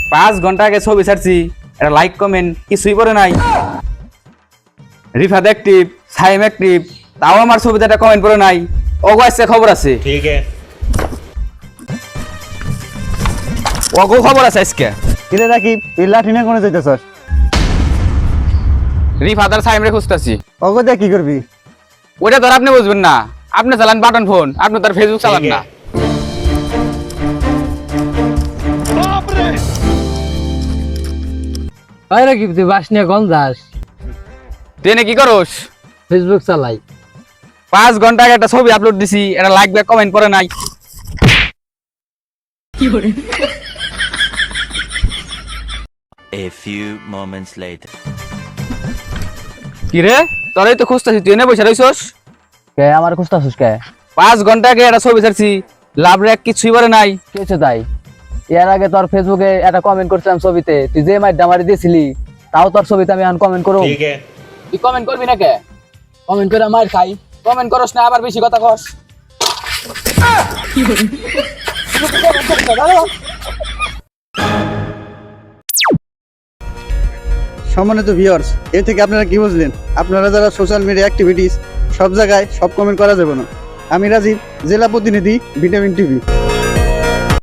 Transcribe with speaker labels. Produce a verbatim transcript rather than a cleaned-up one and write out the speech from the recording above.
Speaker 1: পাঁচ ঘন্টা আগে ছবি ছাড়ছি, এটা লাইক কমেন্ট কিছুই পরে নাই। রিফাত অ্যাক্টিভ, সাইম অ্যাক্টিভ, তাও আমার ছবিতে একটা কমেন্ট পরে নাই। ওগো আজকে খবর আছে,
Speaker 2: ठीक है।
Speaker 1: ওগো খবর আছে আজকে।
Speaker 3: কিরে রাকিব তুই লাঠি নিয়ে কোনে যাইতেছস?
Speaker 1: রিফাত আর সাইম রে খুঁজতেছি।
Speaker 3: অগো দিয়ে কি করবি?
Speaker 1: ওটা তো আর আপনি বুঝবেন না, আপনি চালান বাটন ফোন, আপনি তার ফেসবুক চালান
Speaker 2: ঠিক
Speaker 1: না।
Speaker 4: হয় নাকি তুই বাস নিয়ে কল যাস?
Speaker 1: ট্রেনে কি করস?
Speaker 4: ফেসবুক চালাই।
Speaker 1: পাঁচ ঘন্টা আগে একটা ছবি আপলোড দিছি, এটা লাইক ব্যাক কমেন্ট পরে নাই।
Speaker 5: A few moments later.
Speaker 1: কি রে, তোরাই তো খুঁজতেছি, তুই এনে বসে রইছস।
Speaker 4: কে আমার খুঁজতাছিস কে?
Speaker 1: পাঁচ ঘন্টা আগে একটা ছবি ছাড়ছি, লাভ রেক কিছুই পরে নাই।
Speaker 4: কি হয়েছে তাই? এর আগে তোর ফেসবুকে একটা কমেন্ট করছিলাম ছবিতে, তুই যে মাইট আমারে দিয়েছিলি, তাও তোর ছবিতে আমি এখন কমেন্ট করব।
Speaker 2: ठीक है।
Speaker 4: তুই কমেন্ট করবি না কে? কমেন্ট করে মার খাই।
Speaker 1: কমেন্ট করস না, আবার বেশি কথা কস।
Speaker 3: সম্মানিত ভিউয়ার্স, এ থেকে আপনারা কি বুঝলেন? আপনারা যারা সোশ্যাল মিডিয়া অ্যাক্টিভিটিস সব জায়গায় সব কমেন্ট করা যাবে না। আমি রাজীব, জেলা প্রতিনিধি, ভিটামিন টিভি।